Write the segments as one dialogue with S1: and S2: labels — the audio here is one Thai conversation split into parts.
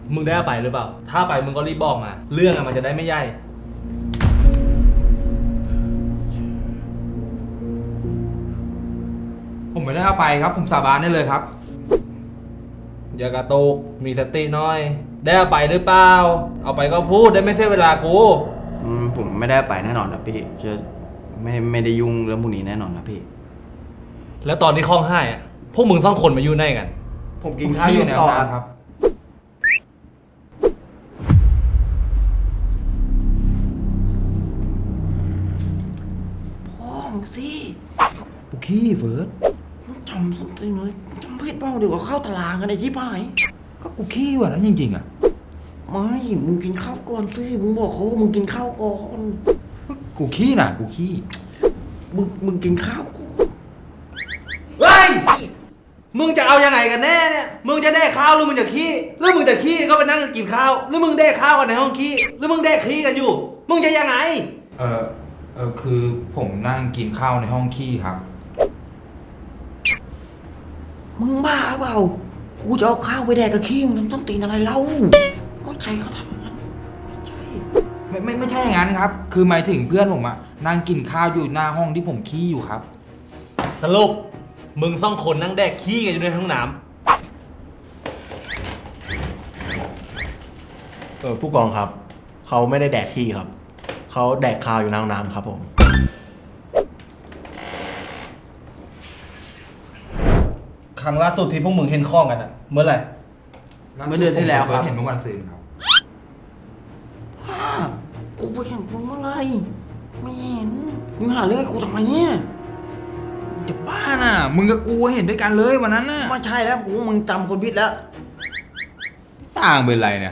S1: มึงได้เอาไปหรือเปล่าถ้าไปมึงก็รีบบอกมาเรื่องมันจะได้ไม่ใหญ่
S2: ผมไม่ได้เอาไปครับผมสาบานได้เลยครับ
S1: อย่ากระตุกมีสติหน่อยได้เอาไปหรือเปล่าเอาไปก็พูดได้ไม่เสียเวลากู
S3: ผมไม่ได้ไปแน่นอนนะพี่จะไม่ได้ยุ่งเรื่องพวกนี้แน่นอนนะพี่
S1: แล้วตอนที่คล้องไห้อะพวกมึงสองคนมาอยู่ไหนกัน
S3: ผมกินข้าวอยู่ในห้องน้ำครับพ่อมึงสิ
S2: ปุกขี้เฟิร์ส
S3: จำสติเลยจำผิดเปล่าเดี๋ยวก็เข้าตารางกันไอ้ชิบหาย
S2: ก็กูขี้วันนั้นจริงๆอ่ะ
S3: ไม่มึงกินข้าวก่อนสิมึงบอกเขาว่ามึงกินข้าวก่อน
S2: กูขี้น่ะกูขี้
S3: มึงกินข้าวก่อน
S1: เฮ้ยมึงจะเอายังไงกันแน่เนี่ยมึงจะได้ข้าวหรือมึงจะขี้หรือมึงจะขี้ก็ไปนั่งกินข้าวหรือมึงได้ข้าวกันในห้องขี้หรือมึงได้ขี้กันอยู่มึงจะยังไง
S2: คือผมนั่งกินข้าวในห้องขี้ครับ
S3: มึงบ้าเปล่ากูจะเอาข้าวไปแดกกับขี้มึงทำต้นตีนอะไรเล่าไม่ใช่เขาทำงั้นไม่ใช่
S2: ไม่ใช่อย่างนั้นครับคือหมายถึงเพื่อนผมอะนั่งกินข้าวอยู่หน้าห้องที่ผมขี้อยู่ครับ
S1: สรุปมึงสองคนนั่งแดกขี้กันอยู่ในห้องน้
S4: ำผู้กองครับเขาไม่ได้แดกขี้ครับเขาแดกข้าวอยู่ในห้องน้ำครับผม
S1: ครั้งล่าสุดที่พวกมึงเห็นข้องกันอะเมื่อไหร่
S3: เมื่อเดือนที่แล้วครับ
S2: เห็นเมื่อวันซืนครับ
S3: กูไปเห็นมึงเมื่อไรไม่เห็นมึงหาเรื่องกูทำไมเนี่ย
S2: จะบ้าน่ะมึงกับกูเห็นด้วยกันเลยวันนั้นน่ะ
S3: ไม่ใช่แล้วกูมึงจำคนผิดแล้ว
S2: ต่างเป็นไรเนี่ย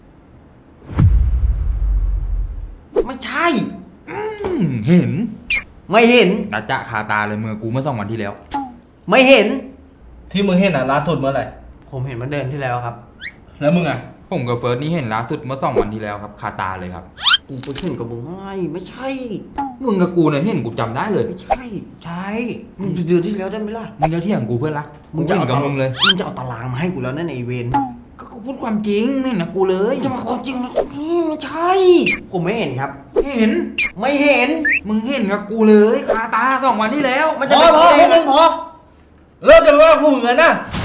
S3: ไม่ใช่
S2: เห็น
S3: ไม่เห็น
S2: จะคาตาเลยเมื่อกูเมื่อ2 วันที่แล้ว
S3: ไม่เห็น
S1: ที่มึงเห็นอ่ะล่าสุดเมื่อไหร่
S3: ผมเห็นเมื่อเดือนที่แล้วครับ
S1: แล้วมึงอ่ะ
S2: ผมกับเฟิร์สนี่เห็นล่าสุดเมื่อ2 วันที่แล้วครับคาตาเลยครับ
S3: กูไปเห็นกับมึงไม่ใช่
S2: มึงกับกูเนี่ยเห็นกูจำได้เลย
S3: ไม่ใช่มึงเดือนที่แล้วได้ไหมล่ะ
S2: มึงจะเที่ยงกูเพื่อนรักมึงจะเอากับมึงเลย
S3: มึงจะเอาตารางมาให้กูแล้วนั่นไอเวน
S2: ก็กูพูดความจริงนี่นะกูเลย
S3: จะมาความจริงนะนี่ไม่ใช่ผมไม่เห็นครับ
S2: เห็น
S3: ไม่เห็น
S2: มึงเห็นกับกูเลยคาตา2 วันที่แล้ว
S1: มันจะพอมึงพอเลิกกันว่าพวกมึงนะ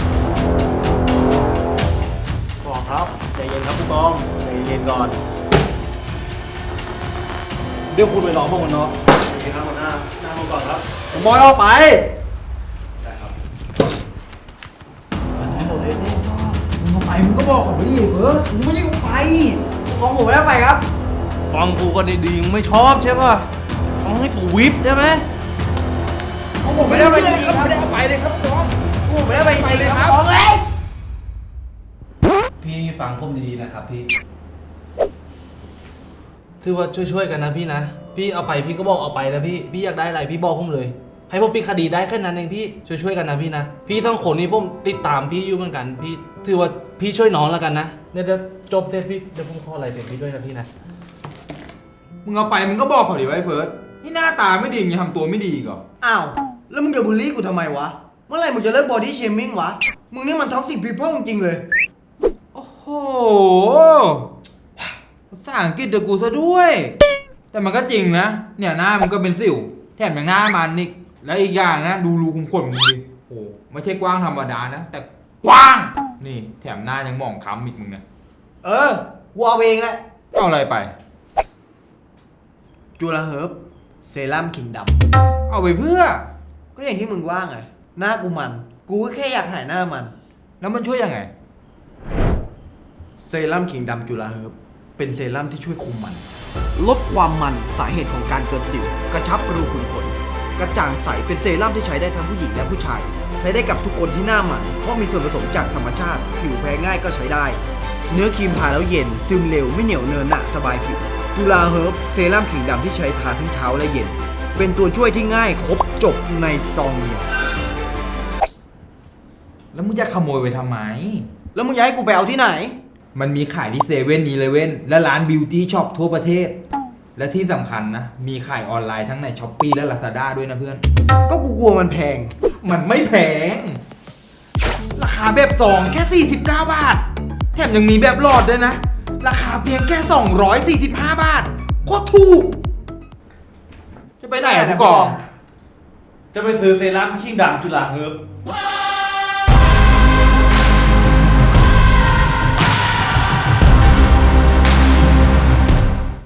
S4: ผู้กองครับใจเย็นครับผู้กองใจเย็นก่อน
S1: เดี๋ยวคุณไปรอพวกมันเนาะ
S4: ใจเย็นครับหัวหน้านั่งลงก่อนครับ
S1: บอยออกไป
S4: ได้ครับ
S2: มึงเอาไปมึงก็บอกเขาไปดิเฟิร์ส
S3: มึงไม่ได้เอาไปของผมไม่ได้ไปครับ
S1: ฟังกูกันดีๆมึงไม่ชอบใช่ป่ะต้องให้กูวิบใช่ไหม
S3: ผมไม่ได้ไปเลยครับไม่ได้เอาไปเลยครับน้องผมไม่ได้ไปเลยครับน้องเลย
S1: พี่ฟังผมดีๆนะครับพี่ถือว่าช่วยๆกันนะพี่นะพี่เอาไปพี่ก็บอกเอาไปนะพี่อยากได้อะไรพี่บอกผมเลยให้ผมปิดคดีได้แค่นั้นเองพี่ช่วยๆกันนะพี่นะพี่ทั้งคนนี้ผมติดตามพี่อยู่เหมือนกันพี่ถือว่าพี่ช่วยน้องแล้วกันนะเนี่ยเดี๋ยวจบเสร็จพี่เดี๋ยวผมขออะไรเสร็จพี่ด้วยนะพี่นะ
S2: มึงเอาไปมึงก็บอกเขาดิไว้เฟิร์สนี่หน้าตาไม่ดีอย่าทำตัวไม่ดีอีกเหรอ
S3: อ้าวแล้วมึงจะบูลลี่กูทำไมวะเมื่อไหร่มึงจะเลิกบอดี้เชมิ่งวะมึงนี่มันท็อกซิกพีเพิลจริงๆเลย
S2: โอ้โหภาษาอังกฤษเดี๋ยวกูซะด้วยแต่มันก็จริงนะเนี่ยหน้ามันก็เป็นสิวแถมอย่างหน้ามันนี่แล้วอีกอย่างนะดูรูขุมขนมึงดิโอ้ไม่ใช่กว้างธรรมดานะแต่กว้างนี่แถมหน้ายังมองคล้ำอีกมึงเนี่ย
S3: กูเอาเองแหละ
S2: เอาอะไรไป
S3: จูราเฮิร์บเซรั่มคิงด
S2: ำเอาไปเพื่อ
S3: ก็อย่างที่มึงว่าไงหน้ากูมันกูแค่อยากหายหน้ามัน
S2: แล้วมันช่วยยังไง
S3: เซรั่มคิงดำจูราเฮิร์บเป็นเซรั่มที่ช่วยคุมมันลดความมันสาเหตุของการเกิดสิวกระชับรูขุมขนกระจ่างใสเป็นเซรั่มที่ใช้ได้ทั้งผู้หญิงและผู้ชายใช้ได้กับทุกคนที่หน้ามันเพราะมีส่วนผสมจากธรรมชาติผิวแพ้ง่ายก็ใช้ได้เนื้อครีมทาแล้วเย็นซึมเร็วไม่เหนียวเนินหนะสบายผิวจูราเฮิร์บเซรั่มขิงดำที่ใช้ทาทั้งเช้าและเย็นเป็นตัวช่วยที่ง่ายครบจบในซองเดียว
S2: แล้วมึงจะขโมยไปทำไม
S3: แล้วมึงอยากให้กูไปเอาที่ไหน
S2: มันมีขายที่7-Elevenและร้านบิวตี้ช็อปทั่วประเทศและที่สำคัญนะมีขายออนไลน์ทั้งใน Shopee และ Lazada ด้วยนะเพื่อน
S3: ก็กูกลัวมันแพง
S2: มันไม่แพงราคาแบบ2แค่49 บาทแถมยังมีแบบหลอดด้วยนะ ราคาเพียงแค่245 บาทโคตรถูก จะไปไหนอะผู้กอง
S1: จะไปซื้อเซรั่มขิงดำจุฬาเฮิร์บ